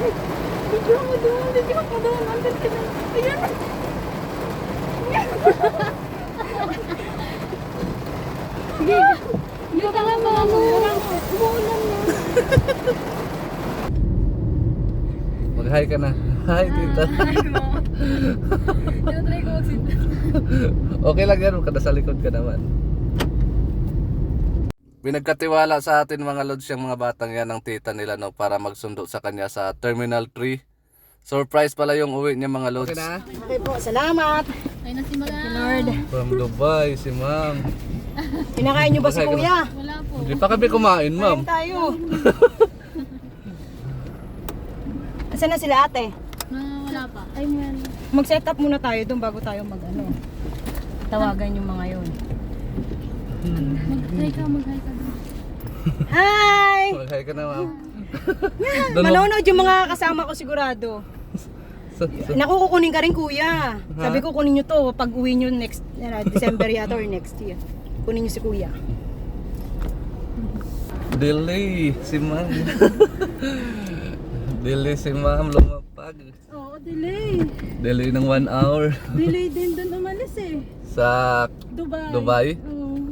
Video mo doon, video mo doon. Andun ka na. Ayan. Sige. Hindi ka nga mga mo. Umuulan na. Mag-hi ka na. Hi, tita. Tinatry ko mag-sit. Okay lang yan, kada sa likod ka naman. Pinagkatiwala sa atin mga lods yung mga batang yan ng tita nila no, para magsundo sa kanya sa Terminal 3. Surprise pala yung uwi niya mga lods. Okay na? Okay po, salamat. Ay na si Madam. Lord. From Dubai, si ma'am. Kinakain niyo ba si kuya? Wala po. Hindi pa kami kumain, ma'am. Kain tayo. Asan na sila ate? Wala pa. Ay man. Mag-set up muna tayo doon bago tayo tawagan yung mga yon. Mag-hi ka doon. Hi! Mag-hi ka na, ma'am. Manonood yung mga kasama ko sigurado. Naku, kukunin ka rin kuya. Sabi ko kunin nyo to pag uwi nyo next December yata or next year. Kunin nyo si kuya. Delay si ma'am. Delay si ma'am, lumapag. Oo, delay. Delay ng 1 hour. Delay din doon umalis eh. Sa Dubai? Oo.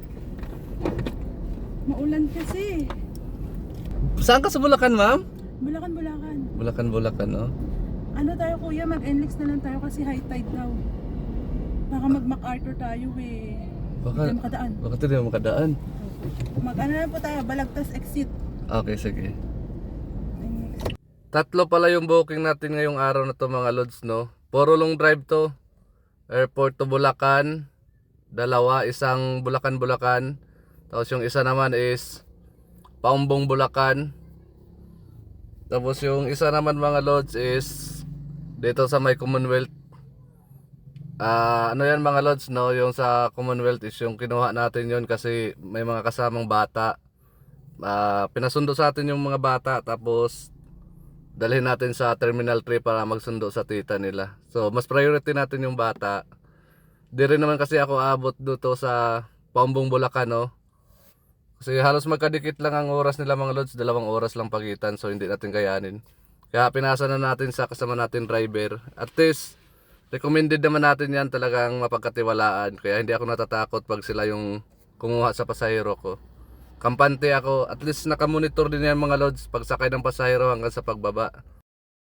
Maulan kasi. Saan ka sa Bulacan, ma'am? Bulacan. Bulacan, no? Ano tayo kuya, mag-NLEX na lang tayo kasi high tide daw. Baka mag-MacArthur tayo eh. Baka, Hindi makadaan. baka hindi mo makadaan. Mag-ano na po tayo, Balagtas exit. Okay, sige. Tatlo pala yung booking natin ngayong araw na to mga lods, no? Puro long drive to. Airport to Bulacan. Dalawa, isang Bulacan. Tapos yung isa naman is Paumbong Bulacan. Tapos yung isa naman mga lods is dito sa may Commonwealth. Ano yan mga lods, no? Yung sa Commonwealth is yung kinuha natin yon kasi may mga kasamang bata. Pinasundo sa atin yung mga bata tapos dalhin natin sa Terminal 3 para magsundo sa tita nila. So mas priority natin yung bata. Di rin naman kasi ako abot dito sa Paumbong Bulacan, no? Kasi halos magkadikit lang ang oras nila mga lods, 2 oras lang pagitan, so hindi natin kayanin. Kaya pinasa na natin sa kasama natin driver. At least recommended naman natin yan, talagang mapagkatiwalaan. Kaya hindi ako natatakot pag sila yung kumuha sa pasahero ko. Kampante ako, at least nakamonitor din yan mga lods, pagsakay ng pasahero hanggang sa pagbaba.